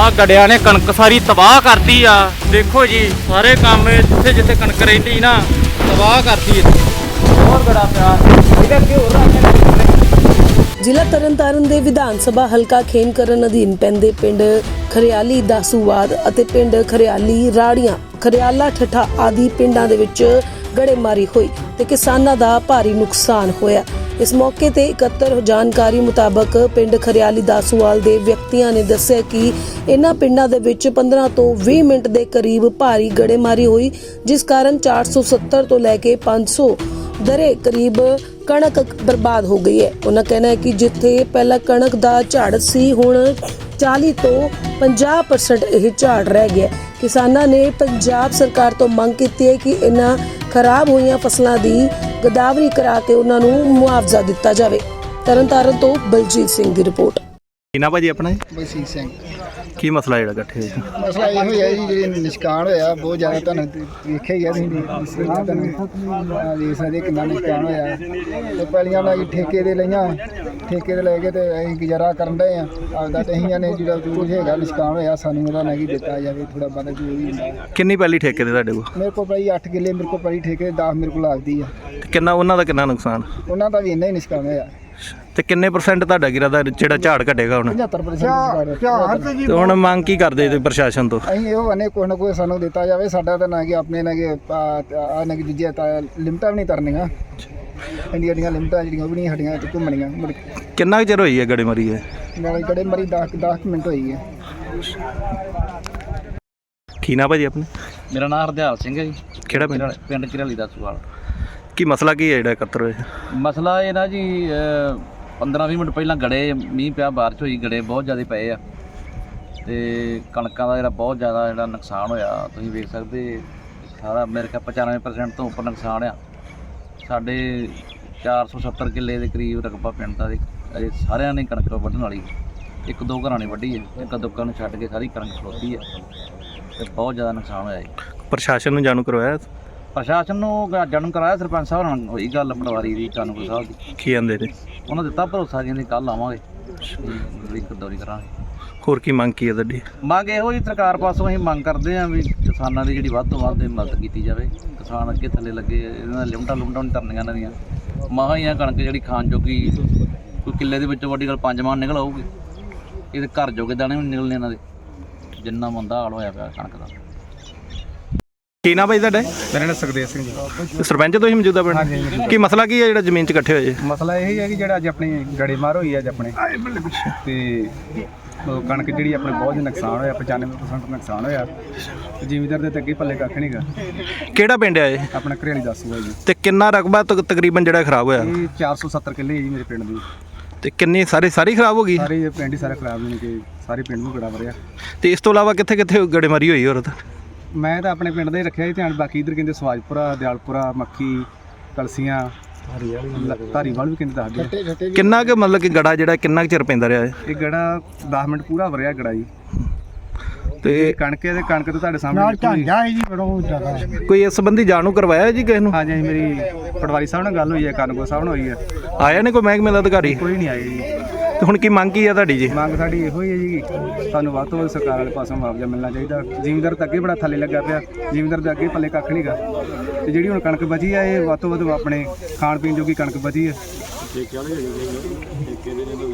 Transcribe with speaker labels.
Speaker 1: ਆ ਗੜਿਆਂ ਨੇ ਕਣਕ ਸਾਰੀ ਤਬਾਹ ਕਰਤੀ ਆ। ਦੇਖੋ ਜੀ ਸਾਰੇ ਕੰਮ ਜਿੱਥੇ ਜਿੱਥੇ ਕਣਕ ਰਹਿੰਦੀ ਨਾ ਤਬਾਹ ਕਰਤੀ। ਹੋਰ ਗੜਾ ਪਿਆ ਇਹਦਾ ਕੀ ਹੋ ਰਿਹਾ।
Speaker 2: ਜ਼ਿਲ੍ਹਾ ਤਰਨਤਾਰਨ ਦੇ ਵਿਧਾਨ ਸਭਾ ਹਲਕਾ ਖੇਮਕਰਨ ਅਧੀਨ ਪੈਂਦੇ ਪਿੰਡ ਖਰਿਆਲੀ ਦਾਸੂਵਾਦ ਅਤੇ ਪਿੰਡ ਖਰਿਆਲੀ ਰਾੜੀਆਂ ਖਰਿਆਲਾ ਠੱਠਾ ਆਦਿ ਪਿੰਡਾਂ ਦੇ ਵਿੱਚ ਗੜੇਮਾਰੀ ਹੋਈ ਤੇ ਕਿਸਾਨਾਂ ਦਾ ਭਾਰੀ ਨੁਕਸਾਨ ਹੋਇਆ। ਇਸ ਮੌਕੇ ਤੇ ਇਕੱਤਰ ਜਾਣਕਾਰੀ ਮੁਤਾਬਕ ਪਿੰਡ ਖਰਿਆਲੀ ਦਾਸੂਵਾਲ ਦੇ ਵਿਅਕਤੀਆਂ ਨੇ ਦੱਸਿਆ ਕਿ ਇਹਨਾਂ ਪਿੰਡਾਂ ਦੇ ਵਿੱਚ 15 ਤੋਂ 20 ਮਿੰਟ ਦੇ ਕਰੀਬ ਭਾਰੀ ਗੜੇਮਾਰੀ ਹੋਈ, ਜਿਸ ਕਾਰਨ 470 ਤੋਂ ਲੈ ਕੇ 500 ਦਰੇ ਕਰੀਬ ਕਣਕ ਬਰਬਾਦ ਹੋ ਗਈ ਹੈ। ਉਹਨਾਂ ਕਹਿਣਾ ਹੈ ਕਿ ਜਿੱਥੇ ਪਹਿਲਾਂ ਕਣਕ ਦਾ ਝਾੜ ਸੀ ਹੁਣ 40 ਤੋਂ 50% ਇਹ ਝਾੜ ਰਹਿ ਗਿਆ। ਕਿਸਾਨਾਂ ਨੇ ਪੰਜਾਬ ਸਰਕਾਰ ਤੋਂ ਮੰਗ ਕੀਤੀ ਹੈ ਕਿ ਇਹਨਾਂ ਖਰਾਬ ਹੋਈਆਂ ਫਸਲਾਂ ਦੀ ਗਦਾਵਰੀ ਕਰਾ ਕੇ ਉਹਨਾਂ ਨੂੰ ਮੁਆਵਜ਼ਾ ਦਿੱਤਾ ਜਾਵੇ। ਤਰਨਤਾਰਨ ਤੋਂ ਬਲਜੀਤ ਸਿੰਘ ਦੀ ਰਿਪੋਰਟ।
Speaker 3: ਕੀ ਨਾ ਭਾਜੀ ਆਪਣਾ
Speaker 4: ਬਲਜੀਤ ਸਿੰਘ।
Speaker 3: ਕੀ ਮਸਲਾ ਜਿਹੜਾ ਇਕੱਠੇ ਹੋਇਆ?
Speaker 4: ਮਸਲਾ ਇਹੋ ਹੀ ਹੈ ਜੀ, ਜਿਹੜੇ ਨਿਸ਼ਕਾਨ ਹੋਇਆ ਬਹੁਤ ਜ਼ਿਆਦਾ, ਤੁਹਾਨੂੰ ਵੇਖਿਆ ਹੀ ਹੈ ਤੁਸੀਂ ਵੇਖ ਸਕਦੇ ਕਿੰਨਾ ਨਿਸ਼ਕਾਨ ਹੋਇਆ। ਤੇ ਪਹਿਲੀਆਂ ਨਾਲ ਠੇਕੇ ਦੇ ਲਈਆਂ, ਠੇਕੇ ਦੇ ਲੈ ਕੇ ਤੇ ਅਸੀਂ ਗੁਜ਼ਾਰਾ ਕਰਨ ਦੇ ਆ ਆਪਦਾ। ਤੇ ਅਸੀਂ ਨੇ ਜਿਹੜਾ ਜੋ ਹੈਗਾ ਨਿਸ਼ਕਾਨ ਹੋਇਆ ਸਾਨੂੰ ਉਹਦਾ ਨਾ ਦਿੱਤਾ ਜਾਵੇ, ਥੋੜਾ ਬੰਦਾ ਜੋ ਵੀ ਹੁੰਦਾ।
Speaker 3: ਕਿੰਨੀ ਪਹਿਲੀ ਠੇਕੇ ਦੇ ਤੁਹਾਡੇ ਕੋਲ?
Speaker 4: ਮੇਰੇ ਕੋਲ ਭਾਈ 8 ਕਿੱਲੇ ਮੇਰੇ ਕੋਲ ਪਹਿਲੀ ਠੇਕੇ 10 ਮੇਰੇ ਕੋਲ ਲੱਗਦੀ ਆ।
Speaker 3: ਤੇ ਕਿੰਨਾ ਉਹਨਾਂ ਦਾ ਕਿੰਨਾ ਨੁਕਸਾਨ?
Speaker 4: ਉਹਨਾਂ ਦਾ ਵੀ ਇੰਨਾ ਹੀ ਨਿਸ਼ਕਾਨ ਹੋਇਆ।
Speaker 3: ਤੇ ਕਿੰਨੇ % ਤੁਹਾਡਾ ਗਿਰਾ ਦਾ ਜਿਹੜਾ ਝਾੜ ਘਟੇਗਾ ਹੁਣ?
Speaker 4: 75%।
Speaker 3: ਤੇ ਹੁਣ ਮੰਗ ਕੀ ਕਰਦੇ ਤੇ ਪ੍ਰਸ਼ਾਸਨ ਤੋਂ?
Speaker 4: ਅਸੀਂ ਇਹੋ ਕਹਿੰਦੇ ਕੋਈ ਨਾ ਕੋਈ ਸਾਨੂੰ ਦਿੱਤਾ ਜਾਵੇ। ਸਾਡਾ ਤਾਂ ਨਾ ਕਿ ਆਪਣੇ ਨਾ ਕਿ ਆ ਨਾ ਕਿ ਦੂਜੇ ਲਿਮਟਾਂ ਵੀ ਨਹੀਂ ਤਰਨੀਆਂ, ਇੰਡੀਆ ਦੀਆਂ ਲਿਮਟਾਂ ਜਿਹੜੀਆਂ ਉਹ ਵੀ ਨਹੀਂ ਸਾਡੀਆਂ ਘੁੰਮਣੀਆਂ।
Speaker 3: ਕਿੰਨਾ ਕੁ ਚਿਰ ਹੋਈ ਹੈ ਗੜੇਮਾਰੀ ਹੈ?
Speaker 4: ਨਾਲੇ ਗੜੇ ਮਰੀ 10 ਮਿੰਟ ਹੋਈ ਹੈ।
Speaker 3: ਕੀ ਨਾ ਭਾਜੀ ਆਪਣੇ?
Speaker 1: ਮੇਰਾ ਨਾਮ ਹਰਦਿਆਲ ਸਿੰਘ ਹੈ ਜੀ।
Speaker 3: ਕਿਹੜਾ ਪਿੰਡ?
Speaker 1: ਪਿੰਡ ਖਰਿਆਲੀ ਦਾਸੂਵਾਲ।
Speaker 3: ਕੀ ਮਸਲਾ ਕੀ ਹੈ ਜਿਹੜਾ ਇਕੱਤਰ ਹੋਇਆ?
Speaker 1: ਮਸਲਾ ਇਹ ਨਾ ਜੀ 15-20 ਮਿੰਟ ਪਹਿਲਾਂ ਗੜੇ ਮੀਂਹ ਪਿਆ, ਬਾਰਿਸ਼ ਹੋਈ, ਗੜੇ ਬਹੁਤ ਜ਼ਿਆਦਾ ਪਏ ਆ ਤੇ ਕਣਕਾਂ ਦਾ ਜਿਹੜਾ ਬਹੁਤ ਜ਼ਿਆਦਾ ਜਿਹੜਾ ਨੁਕਸਾਨ ਹੋਇਆ ਤੁਸੀਂ ਵੇਖ ਸਕਦੇ। ਸਾਰਾ ਮੇਰੇ ਖਿਆਲ 95% ਤੋਂ ਉੱਪਰ ਨੁਕਸਾਨ ਆ। ਸਾਡੇ 470 ਕਿੱਲੇ ਦੇ ਕਰੀਬ ਰਕਬਾ ਪਿੰਡ ਦਾ ਅਜੇ ਸਾਰਿਆਂ ਨੇ ਕਣਕ ਵੱਢਣ ਵਾਲੀ। 1-2 ਘਰਾਂ ਨੇ ਵੱਢੀ ਹੈ, 1-2 ਨੂੰ ਛੱਡ ਕੇ ਸਾਰੀ ਕਣਕ ਖਲੋਤੀ ਹੈ ਤੇ ਬਹੁਤ ਜ਼ਿਆਦਾ ਨੁਕਸਾਨ ਹੋਇਆ ਜੀ।
Speaker 3: ਪ੍ਰਸ਼ਾਸਨ ਨੂੰ ਜਾਣੂ ਕਰਵਾਇਆ?
Speaker 1: ਪ੍ਰਸ਼ਾਸਨ ਨੂੰ ਜਾਣੂ ਕਰਾਇਆ, ਸਰਪੰਚ ਸਾਹਿਬ ਨਾਲ ਹੋਈ ਗੱਲ ਪਟਵਾਰੀ ਦੀ, ਕਾਨੂੰਗੋ ਸਾਹਿਬ ਦੀ।
Speaker 3: ਕੀ ਕਹਿੰਦੇ ਨੇ?
Speaker 1: ਉਹਨਾਂ ਦਿੱਤਾ ਭਰੋਸਾ ਜੀ, ਕੱਲ੍ਹ ਆਵਾਂਗੇ ਦੌਰੀ ਕਰਾਂਗੇ।
Speaker 3: ਹੋਰ ਕੀ ਮੰਗ ਕੀ ਹੈ ਤੁਹਾਡੀ?
Speaker 1: ਮੰਗ ਇਹੋ ਜੀ ਸਰਕਾਰ ਪਾਸੋਂ ਅਸੀਂ ਮੰਗ ਕਰਦੇ ਹਾਂ ਵੀ ਕਿਸਾਨਾਂ ਦੀ ਜਿਹੜੀ ਵੱਧ ਤੋਂ ਵੱਧ ਮਦਦ ਕੀਤੀ ਜਾਵੇ। ਕਿਸਾਨ ਅੱਗੇ ਥੱਲੇ ਲੱਗੇ, ਇਹਨਾਂ ਲਿਮਟਾਂ ਨਹੀਂ ਤਰਨੀਆਂ ਇਹਨਾਂ ਦੀਆਂ। ਮਹਾਂ ਹੀ ਆ ਕਣਕ ਜਿਹੜੀ ਖਾਣ ਜੋਗੀ, ਕੋਈ ਕਿੱਲੇ ਦੇ ਵਿੱਚੋਂ ਵੱਡੀ ਗੱਲ 5 ਮਣ ਨਿਕਲ ਆਊਗੀ। ਇਹਦੇ ਘਰ ਜੋਗੇ ਦਾਣੇ ਵੀ ਨਿਕਲਣੇ ਇਹਨਾਂ ਦੇ, ਜਿੰਨਾ ਮੰਦਾ ਹਾਲ ਹੋਇਆ ਪਿਆ ਕਣਕ ਦਾ।
Speaker 3: ਕੀ ਨਾ ਭਾਈ ਤੁਹਾਡਾ?
Speaker 5: ਮੇਰਾ ਨਾਮ ਸੁਖਦੇਵ ਸਿੰਘ ਜੀ।
Speaker 3: ਸਰਪੰਚ ਤੁਸੀਂ ਮੌਜੂਦਾ ਪਿੰਡ? ਕੀ ਮਸਲਾ ਕੀ ਹੈ ਜਿਹੜਾ ਜ਼ਮੀਨ 'ਚ ਇਕੱਠੇ ਹੋਏ?
Speaker 5: ਮਸਲਾ ਇਹ ਹੈ ਕਿ ਜਿਹੜਾ ਅੱਜ ਆਪਣੀ ਗੜੇਮਾਰ ਹੋਈ ਅੱਜ ਆਪਣੇ ਤੇ ਉਹ ਕਣਕ ਜਿਹੜੀ ਆਪਣੇ ਬਹੁਤ ਨੁਕਸਾਨ ਹੋਇਆ, 95% ਨੁਕਸਾਨ ਹੋਇਆ। ਜ਼ਿਮੀਂਦਾਰ ਦੇ ਅੱਗੇ ਪੱਲੇ ਕੱਖ ਨਹੀਂਗਾ।
Speaker 3: ਕਿਹੜਾ ਪਿੰਡ ਹੈ ਇਹ?
Speaker 5: ਆਪਣਾ ਘਰਿਆਲੀ ਦਾਸੂਵਾਲ ਜੀ।
Speaker 3: ਤੇ ਕਿੰਨਾ ਰਕਬਾ ਤਕਰੀਬਨ ਜਿਹੜਾ ਖਰਾਬ ਹੋਇਆ?
Speaker 5: ਇਹ 470 ਕਿੱਲੇ ਹੈ ਜੀ ਮੇਰੇ ਪਿੰਡ ਦੀ।
Speaker 3: ਤੇ ਕਿੰਨੀ ਸਾਰੀ ਖਰਾਬ ਹੋ ਗਈ?
Speaker 5: ਸਾਰੇ ਪਿੰਡ ਹੀ ਸਾਰੇ ਖਰਾਬ ਨੇ ਕਿ ਸਾਰੇ ਪਿੰਡ ਨੂੰ ਗੜਾ ਵਰਿਆ।
Speaker 3: ਤੇ ਇਸ ਤੋਂ ਇਲਾਵਾ ਕਿੱਥੇ ਕਿੱਥੇ ਗੜੇਮਾਰੀ ਹੋਈ ਹੋਰ?
Speaker 5: ਮੈਂ ਤਾਂ ਆਪਣੇ ਪਿੰਡ ਦਾ ਹੀ ਰੱਖਿਆ ਜੀ ਧਿਆਨ, ਬਾਕੀ ਇੱਧਰ ਕਹਿੰਦੇ ਸਵਾਜਪੁਰਾ, ਦਿਆਲਪੁਰਾ, ਮੱਖੀ, ਕਲਸੀਆਂ, ਧਾਰੀਵਾਲ ਵੀ ਕਹਿੰਦੇ ਦੱਸਦੇ।
Speaker 3: ਕਿੰਨਾ ਕੁ ਮਤਲਬ ਕਿ ਗੜਾ ਜਿਹੜਾ ਕਿੰਨਾ ਕੁ ਚਿਰ ਪੈਂਦਾ ਰਿਹਾ ਹੈ?
Speaker 5: ਇਹ ਗੜਾ 10 ਮਿੰਟ ਪੂਰਾ ਵਰਿਆ ਗੜਾ ਜੀ।
Speaker 3: ਤੇ
Speaker 5: ਕਣਕ ਤਾਂ ਤੁਹਾਡੇ ਸਾਹਮਣੇ
Speaker 3: ਕੋਈ ਇਸ ਸੰਬੰਧੀ ਜਾਣੂ ਕਰਵਾਇਆ ਜੀ ਕਿਸੇ ਨੂੰ?
Speaker 5: ਹਾਂਜੀ ਹਾਂਜੀ, ਮੇਰੀ ਪਟਵਾਰੀ ਸਾਹਿਬ ਨਾਲ ਗੱਲ ਹੋਈ ਹੈ, ਕਾਨੂੰਗੋ ਸਾਹਿਬ ਨਾਲ ਹੋਈ ਹੈ।
Speaker 3: ਆਇਆ ਨੇ ਕੋਈ ਮਹਿਕਮੇ ਦਾ ਅਧਿਕਾਰੀ?
Speaker 5: ਕੋਈ ਨਹੀਂ ਆਇਆ ਜੀ।
Speaker 3: ਤੇ ਹੁਣ ਕੀ ਮੰਗ ਕੀ ਆ ਤੁਹਾਡੀ ਜੀ?
Speaker 5: ਮੰਗ ਸਾਡੀ ਇਹੋ ਹੀ ਹੈ ਜੀ, ਸਾਨੂੰ ਵੱਧ ਤੋਂ ਵੱਧ ਸਰਕਾਰ ਵਾਲੇ ਪਾਸੋਂ ਮੁਆਵਜ਼ਾ ਮਿਲਣਾ ਚਾਹੀਦਾ। ਜ਼ਿਮੀਂਦਾਰ ਤਾਂ ਅੱਗੇ ਬੜਾ ਥੱਲੇ ਲੱਗਾ ਪਿਆ, ਜ਼ਿਮੀਂਦਾਰ ਦੇ ਅੱਗੇ ਪੱਲੇ ਕੱਖ ਨਹੀਂਗਾ। ਤੇ ਜਿਹੜੀ ਹੁਣ ਕਣਕ ਬਚੀ ਆ ਇਹ ਵੱਧ ਤੋਂ ਵੱਧ ਆਪਣੇ ਖਾਣ ਪੀਣ ਜੋਗੀ ਕਣਕ ਬਚੀ ਹੈ।